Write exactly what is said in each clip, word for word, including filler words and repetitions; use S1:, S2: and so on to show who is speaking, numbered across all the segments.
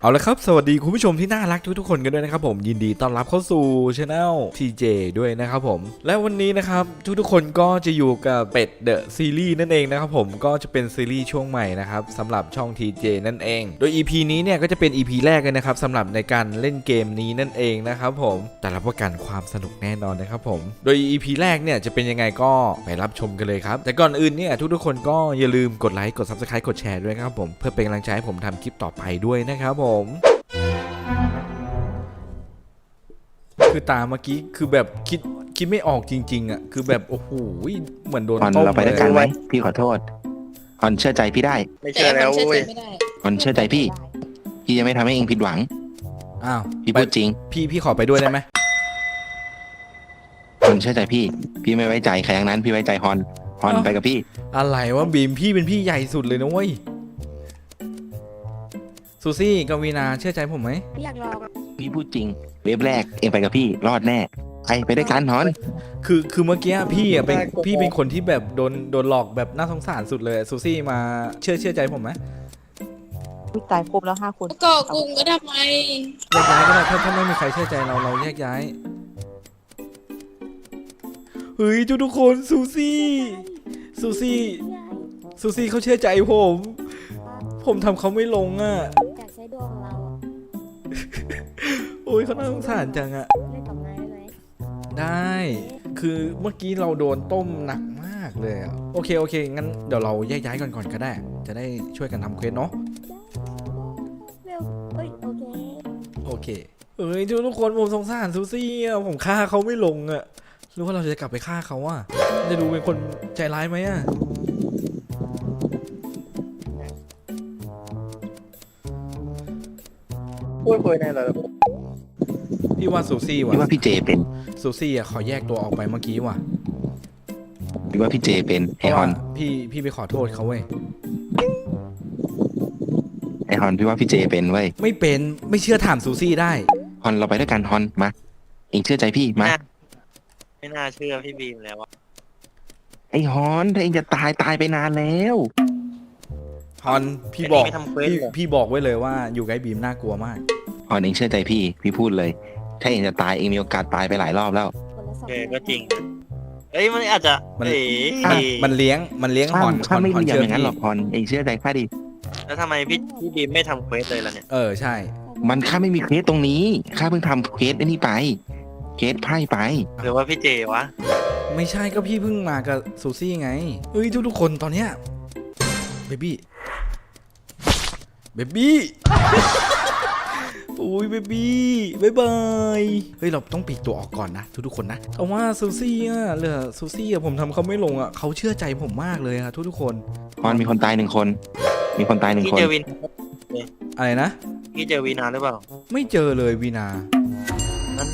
S1: เอาละครับสวัสดีคุณผู้ชมที่น่ารักทุกๆคนกันด้วยนะครับผมยินดีต้อนรับเข้าสู่ช anel ที เจ ด้วยนะครับผมและวันนี้นะครับทุกๆคนก็จะอยู่กับเป็ดเดอะซีรีส์นั่นเองนะครับผมก็จะเป็นซีรีส์ช่วงใหม่นะครับสำหรับช่อง ที เจ นั่นเองโดย อี พี นี้เนี่ยก็จะเป็น อี พี แรกเลยนะครับสำหรับในการเล่นเกมนี้นั่นเองนะครับผมแต่รับประกันความสนุกแน่นอนนะครับผมโดย อี พี แรกเนี่ยจะเป็นยังไงก็ไปรับชมกันเลยครับแต่ก่อนอื่นเนี่ยทุกๆคนก็อย่าลืมกดไลค์กด ซับสไครบ์ กดแชร์ด้วยนะครับผมเพื่อเป็นกำลังใจให้ผมทำคลิปต่อไปด้วยนะครับผมคือตาเมื่อกี้คือแบบคิดคิดไม่ออกจริงๆอ่ะคือแบบโอ้โหเหมือนโดน
S2: ออน
S1: ต้ม
S2: เราไปด้วยกันไหมพี่ขอโทษออนเชื่อใจพี่ได้
S3: ไม่เชื่อแล้วเว้ย
S2: ออนเชื่อใจพี่พี่จะไม่ทำให้เองผิดหวัง
S1: อ้าว
S2: พี่พูดจริง
S1: พี่พี่ขอไปด้วยได้ไหม
S2: ออนเชื่อใจพี่พี่ไม่ไว้ใจใครทั้งนั้นพี่ไว้ใจฮอนฮอนไปกับพี่
S1: อะไรวะบีมพี่เป็นพี่ใหญ่สุดเลยนะเว้ยซูซี่กับวีนาเชื่อใจผมไหม
S4: อยากลองอ่ะ
S2: พี่พูดจริงเว็บแรกเองไปกับพี่รอดแน่ไปไปด้วยกันฮอน
S1: คือคือเมื่อกี้พี่อ่ะเป็นพี่เป็นคนที่แบบโดนโดนหลอกแบบน่าสงสารสุดเลยซูซี่มาเชื่อเชื่อใจผมไหม
S5: อุ๊ยตายครบแล้วห้าคน
S3: ก่อกลุ่มก็ทำไม
S1: แยกย้ายก็ได้ถ้าถ้าไม่มีใครเชื่อใจเราเราแยกย้ายเฮ้ยทุกทุกคนซูซี่ซูซี่ซูซี่เขาเชื่อใจผมผมทำเขาไม่ลงอ่ะ
S4: อยากใช้ดวงของเราอ่ะ
S1: โอ้ยเขาน่าสงสารจังอ่ะ
S4: เล่นกับนายได้ไหม
S1: ได้ คือเมื่อกี้เราโดนต้มหนักมากเลยอะโอเคโอเคงั้นเดี๋ยวเราแยกย้ายก่อนก่อนก็ได้ จะได้ช่วยกันทำเควสเนาะ
S4: เร็วเอ้ยโอเค
S1: โอเคเอ้ยทุกทุกคนผมสงสารซูซี่อะผมฆ่าเขาไม่ลงอะหรือว่าเราจะกลับไปฆ่าเขาอะจะดูเป็นคนใจร้ายไหมอะ
S3: พูดคุยในระบบ
S1: พี่ว่าซูซี่
S2: พี่ว่า
S1: ว่ะ
S2: พี่เจเป็น
S1: ซูซี่อะขอแยกตัวออกไปเมื่อกี้ว่ะ
S2: พี่ว่าพี่เจเป็น
S1: เพ
S2: ไอ
S1: ราะ
S2: ฮอ
S1: ว่าน พี่พี่ไปขอโทษเขาเว้ย
S2: ไอฮอนพี่ว่าพี่เจเป็นเว้ย
S1: ไม่เป็นไม่เชื่อถามซูซี่ได้
S2: ฮอนเราไปด้วยกันฮอนมาเองเชื่อใจพี่มา
S3: ไม่น่าเชื่อพี่บีมแล้วอะ
S2: ไอฮอนถ้าเองจะตายตายไปนานแล้ว
S1: ฮอนพี่บอก
S3: ไม่ทำเควส
S1: พี่
S3: เหรอ
S1: พี่บอกไว้เลยว่าอยู่ใกล้บีมน่ากลัวมาก
S2: ฮอนเองเชื่อใจพี่พี่พูดเลย ถ้าเองจะตายเองมีโอกาสตายไปหลายรอบแล้ว
S4: คนละสอง
S3: เออก็จริงนะเอ้ยมันอาจจะ
S1: มัน
S3: เอ๋
S1: มันมันเลี้ยงมันเลี้ยงฮ
S2: ข้า
S1: อ
S2: ม
S1: นฮ
S2: ข้า
S1: อน
S2: ไม่
S1: ฮอน
S2: เรียม
S1: เชื่อ
S2: อย่างนั้น
S1: พี่
S2: หรอกฮอนเองเชื่อใจข้าดิ
S3: แล้วทำไมพี่พี่บีมไม่ทำเควสเลยล่ะเนี่ย
S1: เออใช่
S2: มันข้าไม่มีเคสตรงนี้ข้าเพิ่งทำเคสไอ้นี่ไป เคสไพ่ไป
S3: หรือว่าพี่เจวะ
S1: ไม่ใช่ก็พี่เพิ่งมากับซูซี่ไงเฮ้ยทุกทุกๆคนตอนเนี้ยเบบี้เบบี้โอ้ยเบบี้บายบายเฮ้ยเราต้องปีกตัวออกก่อนนะทุกๆคนนะแต่ว่าซูซี่อ่ะเหลือซูซี่อ่ะผมทำเขาไม่ลงอ่ะเขาเชื่อใจผมมากเลยอะทุกๆคน
S2: ฮอนมีคนตายหนึ่งคน มีคนตายหนึ่ง
S3: พี่
S2: คน
S3: เจอวิน
S1: อะไรนะ
S3: พี่เจอวีนาหรือเปล่า
S1: ไม่เจอเลยวีนา
S3: นั้น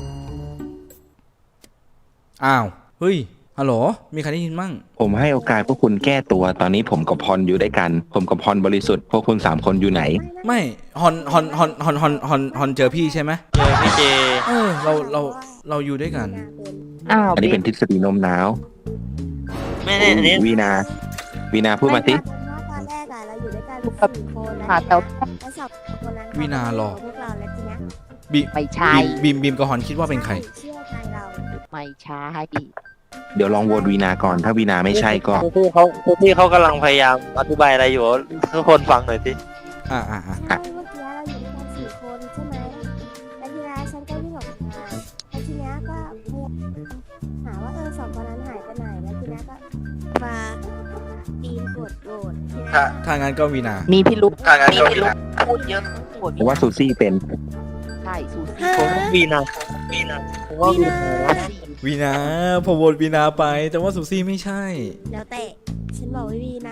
S1: อ้าวเฮ้ยฮัลโหลมีใครได้ยินมั่ง
S2: ผมให้โอกาสพวกคุณแก้ตัว ตอนนี้ผมกับพรอยู่ด้วยกัน ผมกับพรบริสุทธิ์ พวกคุณสามคนอยู่ไหน
S1: ไม่ฮอนฮอนฮอนฮอนฮอนฮอนฮอนเจอพี่ใช่ไหม
S3: เจอพี่เจ
S1: เออเราเราเราอยู่ด้วยกัน
S5: อ้าว
S2: อันนี้
S5: เบ
S2: เป็นทฤษฎีโน้มน้าว
S3: ไม่แน่อันนี้
S2: วีนา วีนาพูดมาสิ
S4: ตอนแรกอะเราอยู่ด้วยกันสี่คนแล้ว
S5: หาแถว
S4: แล้วสองคนนั้น
S1: วินาหรอ
S4: พวกเราแล้วทีเนี้ย
S1: บี
S5: ไม่ใช่
S1: บีมบีมกับฮอนคิดว่าเป็นใคร
S4: เชื่อใจเรา
S5: ไม่ใช่
S2: เดี๋ยวลองโหวตวีนาก่อน ถ้าวีนาไม่ใช่ก็
S3: พี่เขาพี่เขากำลังพยายามอธิบายอะไรอยู่ทุกคนฟังหน่อยสิ
S1: อ่าอ่าอ่า
S4: ใช่เมื่อกี้เราอยู่ด้วยกันสี่คนใช่ไหมแล้วทีนี้ฉันก็วิ่งออกมาแล้วทีเนี้ยก็หาว่าเออสองคนนั้นหายไปไหนแล้วทีเนี้ยก็มาปีนกดโหวตทีเนี้ย
S1: ถ้างั้นก็วีนา
S5: มีพิรุษ
S3: ถ้างั้น
S5: มี
S3: ก็
S5: พิรุษพูดเยอะปวด
S2: เพราะว่าซูซี่เป็น
S5: ใช่สูสี
S3: ผมว่าวีนาวีนาผมว่าวีนา
S1: วีนาผมโหวตวีนาไป แต่ว่าซูซี่ไม่ใช่
S4: แล้วแต่ฉันบอกว่าวีนา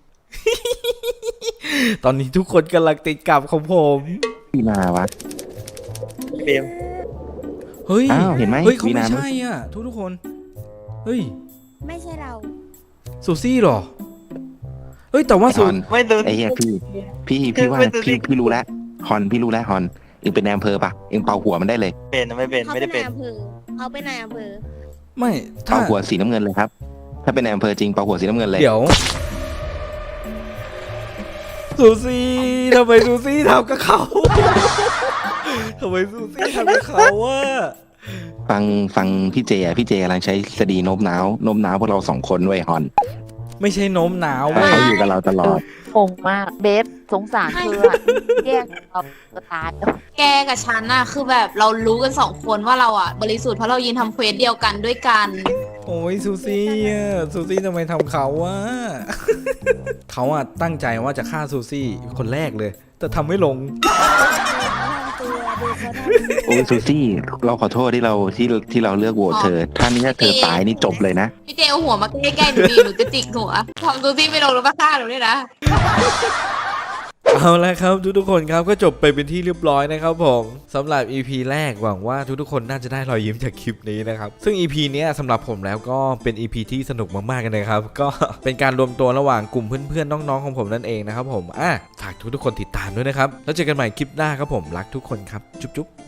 S1: ตอนนี้ทุกคนกำลังติดกับของผม
S2: วีนาวะ
S3: เบม
S1: เฮ้ย
S2: อ้าวเห็นไหม
S1: เฮ้ยเขา
S2: วี
S1: ไม่
S2: นา
S1: ใช่อ่ะ ทุกทุกๆคน เฮ้ย
S4: ไม่ใช่เรา
S1: ซูซี่เหรอ เฮ้ยแต่ว่า
S2: ฮ
S1: ซู
S2: อน
S3: ไม่ดู
S2: ไอ้เหี้ยพี่ พี่พี่ว่า
S3: ไม่ดูดิ
S2: พี่พี่รู้แล้วฮอนพี่รู้แล้วฮอนเองเป็นนายอำเภอปะเองเป่าหัวมันได้เลย
S3: เป็นไม่เป็น
S4: เขา
S3: ไม่
S4: เป็
S3: ได้
S4: น
S3: เป็น
S4: นายอำเภอเขาเป็นนายอำเภอ
S1: ไม่ถ้า
S2: เป่าหัวสีน้ำเงินเลยครับ ถ้าเป็นนายอำเภอจริงเป่าหัวสีน้ำเงินเลย
S1: เดี๋ยวซูซี่ทำไมซูซี่ทำกับเขาทำไมซูซี่ทำกับเขาวะ
S2: ฟังฟังพี่เจอ่ะพี่เจกำลังใช้สดีโน้มน้าวโน้มน้าวพวกเราสองคนด้วยฮอน
S1: ไม่ใช่โน้มหนาว
S2: เพราะ
S1: เว้ย
S2: เขาอยู่กับเราตลอด
S5: งงมากเบฟสงสารเธออะแย่งเราก็ตายแล้ว
S6: แกกับฉันน่ะคือแบบเรารู้กันสองคนว่าเราอ่ะบริสุทธิ์เพราะเรายืนทำเควสเดียวกันด้วยกัน
S1: โอ้ยซูซี่อ่ะซูซี่ทำไมทำเขาวะ เขาอ่ะตั้งใจว่าจะฆ่าซูซี่คนแรกเลย แต่ทำไม่ลง
S4: ตัวดูเขาท
S2: โอ้ยซูซี่เราขอโทษที่เราที่ที่เราเลือกโหวตเธอ ถ้านี่ถ้าเธอตายนี่จบเลยนะ
S6: พี่เจเอาหัวมาใกล้ๆหนูดีหนูจะจิกหัวทำดูซี่ไม่ลงแล้วมาฆ่าหนูด้วยนะ
S1: เอาละครับทุกๆคนครับก็จบไปเป็นที่เรียบร้อยนะครับผมสำหรับ อี พี แรกหวังว่าทุกๆคนน่าจะได้รอยยิ้มจากคลิปนี้นะครับซึ่ง อี พี เนี้ยสำหรับผมแล้วก็เป็น อี พี ที่สนุกมากๆกันเลยครับก็เป็นการรวมตัวระหว่างกลุ่มเพื่อนๆน้องๆของผมนั่นเองนะครับผมอ่ะฝากทุกๆคนติดตามด้วยนะครับแล้วเจอกันใหม่คลิปหน้าครับผมรักทุกคนครับจุ๊บๆ